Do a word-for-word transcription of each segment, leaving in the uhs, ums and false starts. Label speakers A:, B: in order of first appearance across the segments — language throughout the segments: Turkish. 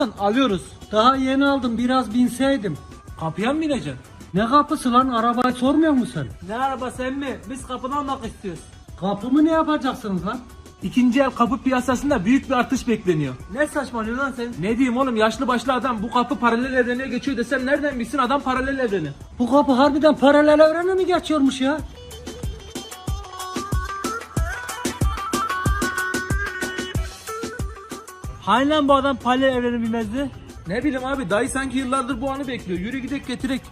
A: Alıyoruz.
B: Daha yeni aldım, biraz binseydim.
A: Kapıya mı bineceksin?
B: Ne kapısı lan, arabayı sormuyor musun sen?
A: Ne arabası emmi? Biz kapını almak istiyoruz.
B: Kapımı ne yapacaksınız lan?
A: İkinci el kapı piyasasında büyük bir artış bekleniyor. Ne saçmalıyorsun lan sen? Ne diyeyim oğlum, yaşlı başlı adam bu kapı paralel evrene geçiyor desem nereden bilsin adam paralel evreni?
B: Bu kapı harbiden paralel evrene mi geçiyormuş ya?
A: Hani lan bu adam paralel evreni bilmezdi? Ne bileyim abi, dayı sanki yıllardır bu anı bekliyor. Yürü gidek getirek.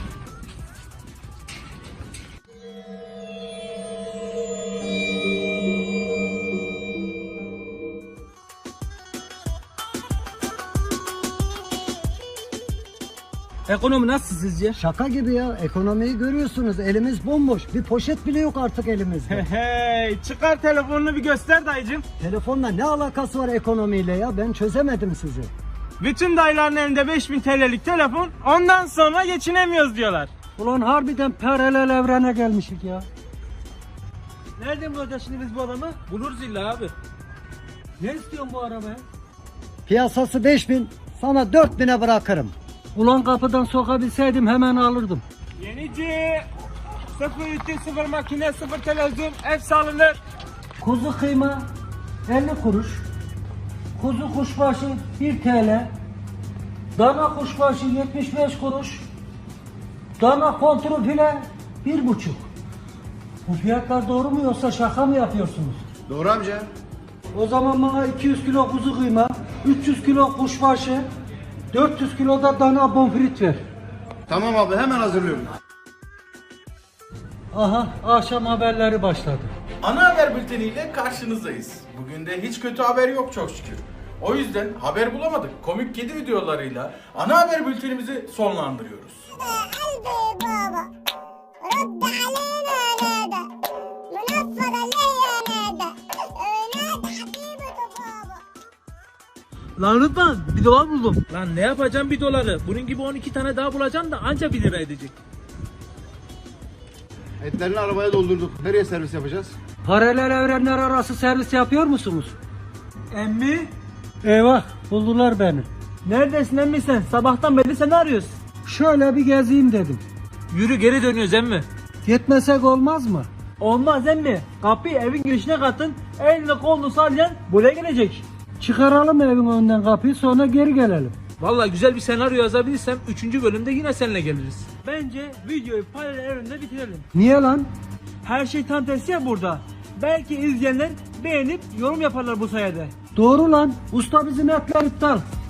A: Ekonomi nasıl sizce?
B: Şaka gibi ya, ekonomiyi görüyorsunuz, elimiz bomboş. Bir poşet bile yok artık elimizde.
A: Hey, çıkar telefonunu bir göster dayıcım.
B: Telefonla ne alakası var ekonomiyle ya, ben çözemedim sizi.
A: Bütün dayıların elinde beş bin T L'lik telefon, ondan sonra geçinemiyoruz diyorlar.
B: Ulan harbiden paralel evrene gelmişik ya.
A: Nereden bulacağız şimdi biz bu adamı? Buluruz illa abi.
B: Ne istiyorsun bu arabaya? Piyasası beş bin, sana dört bine bırakırım. Ulan kapıdan sokabilseydim hemen alırdım.
A: Yenici, sıfır ütü, sıfır makine, sıfır televizyon, hepsi alınır.
B: Kuzu kıyma elli kuruş. Kuzu kuşbaşı bir T L. Dana kuşbaşı yetmiş beş kuruş. Dana kontrol file bir buçuk. Bu fiyatlar doğru mu yoksa şaka mı yapıyorsunuz?
C: Doğru amca.
B: O zaman bana iki yüz kilo kuzu kıyma, üç yüz kilo kuşbaşı, dört yüz kilo da dana bonfrit ver.
C: Tamam abi, hemen hazırlıyorum.
B: Aha, akşam haberleri başladı.
D: Ana haber bülteniyle karşınızdayız. Bugün de hiç kötü haber yok çok şükür. O yüzden haber bulamadık. Komik kedi videolarıyla ana haber bültenimizi sonlandırıyoruz.
E: قلبي بابا رد علينا نادى منفض عليا نادى نادى حبيبة بابا.
A: Lan Rıdvan, bir dolar buldum. Lan ne yapacağım bir doları? Bunun gibi on iki tane daha bulacağım da anca bir lira edecek.
C: Etlerini arabaya doldurduk. Nereye servis yapacağız?
B: Paralel evrenler arası servis yapıyor musunuz?
A: Emmi?
B: Eyvah, buldular beni.
A: Neredesin emmi sen? Sabahtan beri seni arıyoruz.
B: Şöyle bir gezeyim dedim.
A: Yürü, geri dönüyoruz emmi.
B: Gitmesek olmaz mı?
A: Olmaz emmi. Kapıyı evin girişine katın. Elini kolunu sallayan buraya gelecek.
B: Çıkaralım evin önünden kapıyı, sonra geri gelelim.
A: Vallahi güzel bir senaryo yazabilirsem üçüncü bölümde yine seninle geliriz. Bence videoyu paralel evrende bitirelim.
B: Niye lan?
A: Her şey tam tersi ya burada. Belki izleyenler beğenip yorum yaparlar bu sayede.
B: Doğru lan. Usta bizim etler iptal.